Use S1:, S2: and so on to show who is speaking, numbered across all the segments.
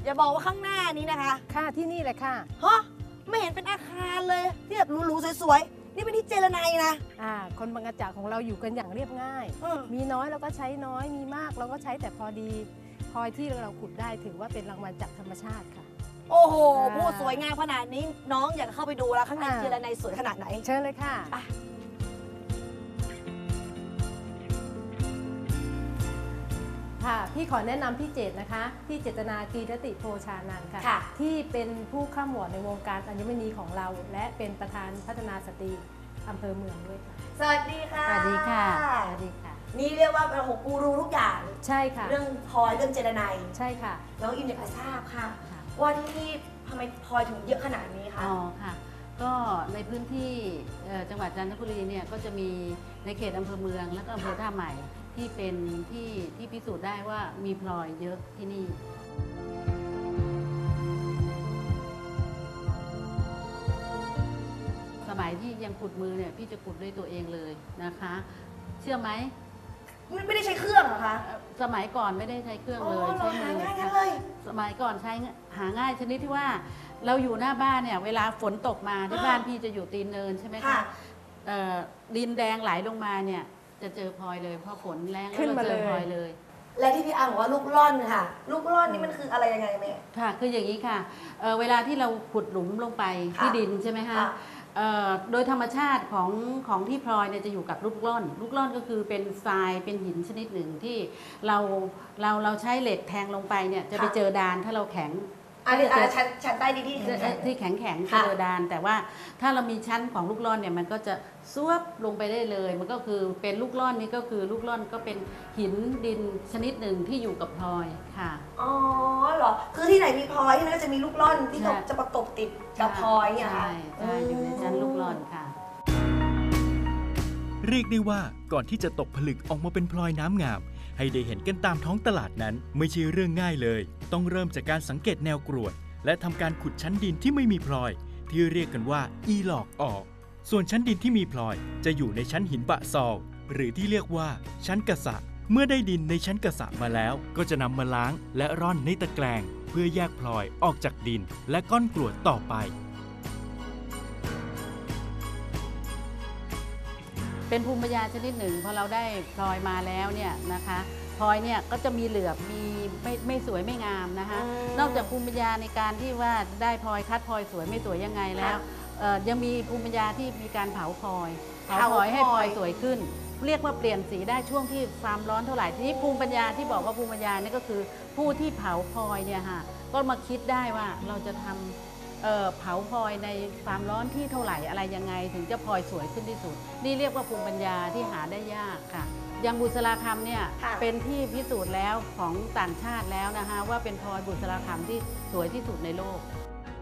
S1: จะบอกว่าข้างหน้านี้นะคะ
S2: ค่ะที่นี่เลยค่ะ
S1: ฮะไม่เห็นเป็นอาคารเลยที่แบบหรูๆสวยๆนี่เป็นที่เจรไนนะ
S2: คนบางกระจากของเราอยู่กันอย่างเรียบง่ายมีน้อยเราก็ใช้น้อยมีมากเราก็ใช้แต่พอดีพลอยที่เราขุดได้ถือว่าเป็นรางวัลจากธรรมชาติค่ะ
S1: โอ้โหพูดสวยงามขนาดนี้น้องอยากเข้าไปดูแล้วข้างในเจรไนสวยขนาดไหน
S2: เชิญเลยค่ะค่ะพี่ขอแนะนำพี่เจตนะคะพี่เจตนากีรติโพชานันท์ค่ะที่เป็นผู้ข้ามวอร์ดในวงการอัญมณีของเราและเป็นประธานพัฒนาสตรีอำเภอเมืองด้วยค่ะ
S1: สวัสดีค่ะ
S2: สวัสดีค่ะสวัสดีค่ะ
S1: นี่เรียกว่าเป็นหกกูรูทุกอย่าง
S2: ใช่ค่ะ
S1: เรื่องพลอยเรื่องเจรไน
S2: ใช่ค่ะ
S1: แล้วอิมอยากจะทราบค่ะว่าที่นี่ทำไมพลอยถึงเยอะขนาดนี้คะ
S3: อ๋อค่ะก็ในพื้นที่จังหวัดจันทบุรีเนี่ยก็จะมีในเขตอำเภอเมืองและก็อำเภอท่าใหม่ที่เป็นที่พิสูจน์ได้ว่ามีพลอยเยอะที่นี่สมัยที่ยังขุดมือเนี่ยพี่จะขุดด้วยตัวเองเลยนะคะเชื่อไหม
S1: ไม่ได้ใช้เครื่องเหรอคะ
S3: สมัยก่อนไม่ได้ใช้เครื่องเลยใช้มือสมัยก่อนใช้หาง่ายชนิดที่ว่าเราอยู่หน้าบ้านเนี่ยเวลาฝนตกมาที่บ้านพี่จะอยู่ตีนเนินใช่ไหมคะดินแดงไหลลงมาเนี่ยจะเจอพลอยเลยพอฝนแรงแล้วเราเจอพลอยเลย
S1: และที่พี่อาบอกว่าลูกร่อนค่ะลูกร่อนนี่มันคืออะไรยังไงแม่
S3: ค่ะคืออย่างนี้ค่ะเวลาที่เราขุดหลุมลงไปที่ดินใช่ไหมคะโดยธรรมชาติของที่พลอยเนี่ยจะอยู่กับลูกร่อนก็คือเป็นทรายเป็นหินชนิดหนึ่งที่เราใช้เหล็กแทงลงไปเนี่ยจะไปเจอดานถ้าเราแข็ง
S1: ชั้นใต้ดิน
S3: ที่แข็งเจอดานแต่ว่าถ้าเรามีชั้นของลูกร่อนเนี่ยมันก็จะซวบลงไปได้เลยมันก็คือเป็นลูกร่อนนี่ก็คือลูกร่อนก็เป็นหินดินชนิดหนึ่งที่อยู่กับพลอยค่ะ
S1: อ๋อเหรอคือที่ไหนมีพลอยที่นั่นก็จะมีลูกร่อนที่จะประกบติดกับพลอยเนี่ยค่ะ
S3: ใช่อยู่ในชั้นลูกร่อนค่ะ
S4: เรียกได้ว่าก่อนที่จะตกผลึกออกมาเป็นพลอยน้ำงามให้ได้เห็นกันตามท้องตลาดนั้นไม่ใช่เรื่องง่ายเลยต้องเริ่มจากการสังเกตแนวกรวดและทำการขุดชั้นดินที่ไม่มีพลอยที่เรียกกันว่าอีหลอกออกส่วนชั้นดินที่มีพลอยจะอยู่ในชั้นหินบะซอลหรือที่เรียกว่าชั้นกะสะเมื่อได้ดินในชั้นกะสะมาแล้วก็จะนำมาล้างและร่อนในตะแกรงเพื่อแยกพลอยออกจากดินและก้อนกรวดต่อไป
S3: เป็นภูมิปัญญาชนิดหนึ่งพอเราได้พลอยมาแล้วเนี่ยนะคะพลอยเนี่ยก็จะมีเหลือบมีไม่สวยไม่งามนะคะนอกจากภูมิปัญญาในการที่ว่าได้พลอยคัดพลอยสวยไม่สวยยังไงแล้วยังมีภูมิปัญญาที่มีการเผาพลอยให้พลอยสวยขึ้นเรียกว่าเปลี่ยนสีได้ช่วงที่ความร้อนเท่าไหร่ทีนี้ภูมิปัญญาที่บอกว่าภูมิปัญญานี่ก็คือผู้ที่เผาพลอยเนี่ยค่ะก็มาคิดได้ว่าเราจะทำเผาพลอยในความร้อนที่เท่าไหร่อะไรยังไงถึงจะพลอยสวยขึ้นที่สุดนี่เรียกว่าภูมิปัญญาที่หาได้ยากค่ะอย่างบุษราคำเนี่ยเป็นที่พิสูจน์แล้วของต่างชาติแล้วนะคะว่าเป็นพลอยบุษราคำที่สวยที่สุดในโลก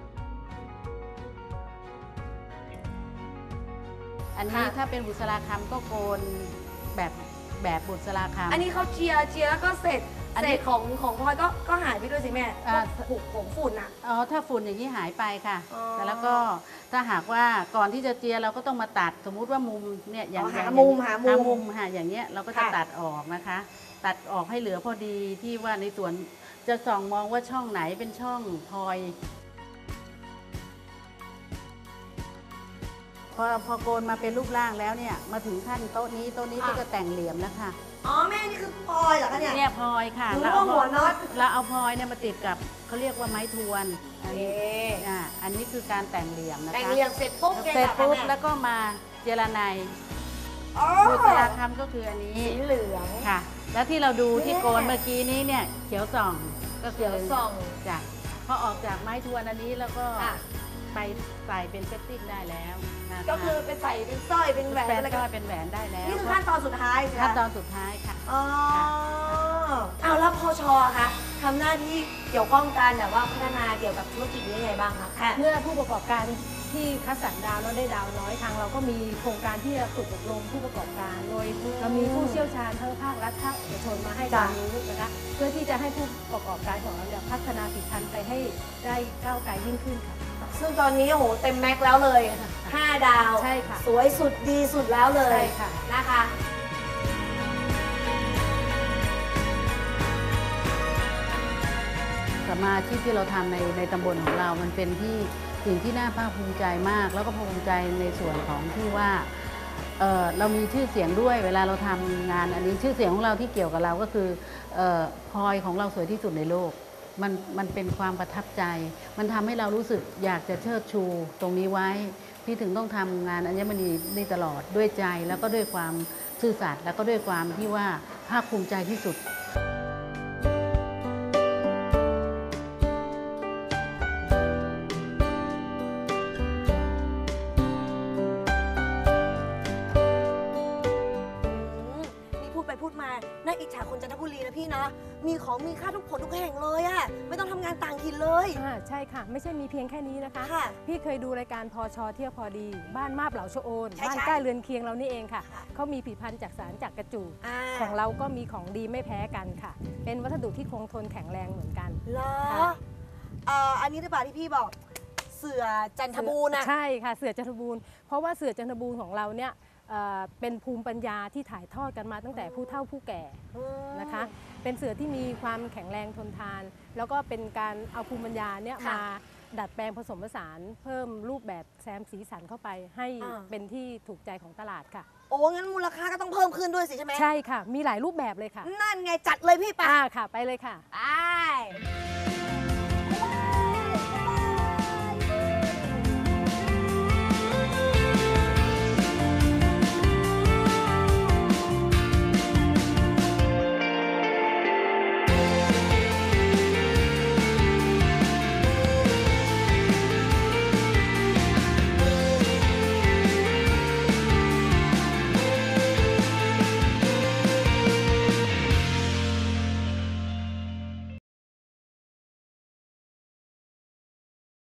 S3: อันนี้ถ้าเป็นบุษราคำก็โกนแบบบุษราคำ
S1: อันนี้เขาเจียแล้วก็เสร็จของพลอยก็หายไปด้วยสิแม่ผูกผงฝุ่นอ่ะ
S3: ถ้าฝุ่นอย่างนี้หายไปค่ะแต่แล้วก็ถ้าหากว่าก่อนที่จะเจียเราก็ต้องมาตัดสมมุติว่ามุมเนี่ยอย่าง
S1: หามุม
S3: ค่ะอย่างเงี้ยเราก็จะตัดออกนะคะตัดออกให้เหลือพอดีที่ว่าในส่วนจะส่องมองว่าช่องไหนเป็นช่องพลอยพอโกนมาเป็นรูปร่างแล้วเนี่ยมาถึงขั้นโต๊ะนี้ก็จะแต่งเหลี่ยมแล้วค่ะ
S1: อ๋อแม่นี่คือพลอยเหรอคะเนี่ย
S3: พลอยค่ะ
S1: เราเอาหัวน็อต
S3: เราเอาพลอยเนี่ยมาติดกับเขาเรียกว่าไม้ทวนอันนี้คือการแต่งเหลี่ยมนะคะ
S1: แต่งเหลี่ยมเสร็จปุ๊บ
S3: แล้วก็มาเจรไนบุษราคำก็คืออันนี้
S1: สีเหลือง
S3: ค่ะแล้วที่เราดูที่โกนเมื่อกี้นี้เนี่ยเขียวส่องก็คือจ้ะพอออกจากไม้ทวนอันนี้แล้วก็ไปใส่เป็นเซตติ้งได้แล้ว
S1: ก็คือไปใส่เป็นสร้อยเป็นแหวน
S3: อะไรก็เป็นแหวนได้แล้ว
S1: นี่คือขั้นตอนสุดท้าย
S3: ขั้นตอนสุดท้ายค่ะ
S1: เอาแล้วพช.คะทำหน้าที่เกี่ยวข้องกันแบบว่าพัฒนาเกี่ยวกับธุรกิจนี้ยังไงบ้างคะ
S2: เมื่อผู้ประกอบการที่คัดสรรดาวแล้วได้ดาวน้อยทางเราก็มีโครงการที่จะฝึกอบรมผู้ประกอบการโดยเรามีผู้เชี่ยวชาญทั้งภาครัฐภาคเอกชนมาให้ความรู้นะคะเพื่อที่จะให้ผู้ประกอบการของเราพัฒนาผลิตภัณฑ์ไปให้ได้ก้าวไกลยิ่งขึ้นค่ะ
S1: ซึ่งตอนนี้โอ้โหเต็มแม็กแล้วเลย5 ดาว
S2: ใช่ค่ะ
S1: สวยสุดดีสุดแล้วเลย
S2: ใช่ค่ะ
S1: นะคะ
S3: สัมมาอาชีพที่เราทำในตำบลของเรามันเป็นสิ่งที่น่าภาคภูมิใจมาก แล้วก็ภูมิใจในส่วนของที่ว่าเรามีชื่อเสียงด้วยเวลาเราทำงานอันนี้ชื่อเสียงของเราที่เกี่ยวกับเราก็คือพลอยของเราสวยที่สุดในโลกมันเป็นความประทับใจมันทำให้เรารู้สึกอยากจะเชิดชูตรงนี้ไว้พี่ถึงต้องทำงานอัญมณีนี่ตลอดด้วยใจแล้วก็ด้วยความซื่อสัตย์แล้วก็ด้วยความที่ว่าภาคภูมิใจที่สุด
S1: พูดมาน่าอิจฉาคนจันทบุรีนะพี่นะมีของมีค่าทุกผลทุกแห่งเลยอะไม่ต้องทำงานต่างถิ่นเลย
S2: ใช่ค่ะไม่ใช่มีเพียงแค่นี้นะคะ
S1: ค่ะ
S2: พี่เคยดูรายการพอชอเที่ยวพอดี บ้านมาบเหลาชะโอน
S1: ใช่
S2: บ้าน
S1: ใช่
S2: ใกล้เรือนเคียงเรานี่เองค่ะเขามีผลิตภัณฑ์จากสารจากกระจูดของเราก็มีของดีไม่แพ้กันค่ะ เป็นวัสดุที่คงทนแข็งแรงเหมือนกัน
S1: เหรอ
S2: ค่ะ
S1: อันนี้หรือเปล่าที่พี่บอกเสือจันทบูรณ์อะ
S2: ใช่ค่ะเสือจันทบูรณ์เพราะว่าเสือจันทบูรณ์ของเราเนี่ยเป็นภูมิปัญญาที่ถ่ายทอดกันมาตั้งแต่ผู้เฒ่าผู้แก่นะคะเป็นเสือที่มีความแข็งแรงทนทาน แล้วก็เป็นการเอาภูมิปัญญาเนี่ยมาดัดแปลงผสมผสานเพิ่มรูปแบบแซมสีสันเข้าไปให้เป็นที่ถูกใจของตลาดค่ะ
S1: โอ้งั้นมูลค่าก็ต้องเพิ่มขึ้นด้วยสิใช่ไหม
S2: ใช่ค่ะมีหลายรูปแบบเลยค่ะ
S1: นั่นไงจัดเลยพี่ปะ
S2: ค่ะไปเลยค่ะ
S1: ไป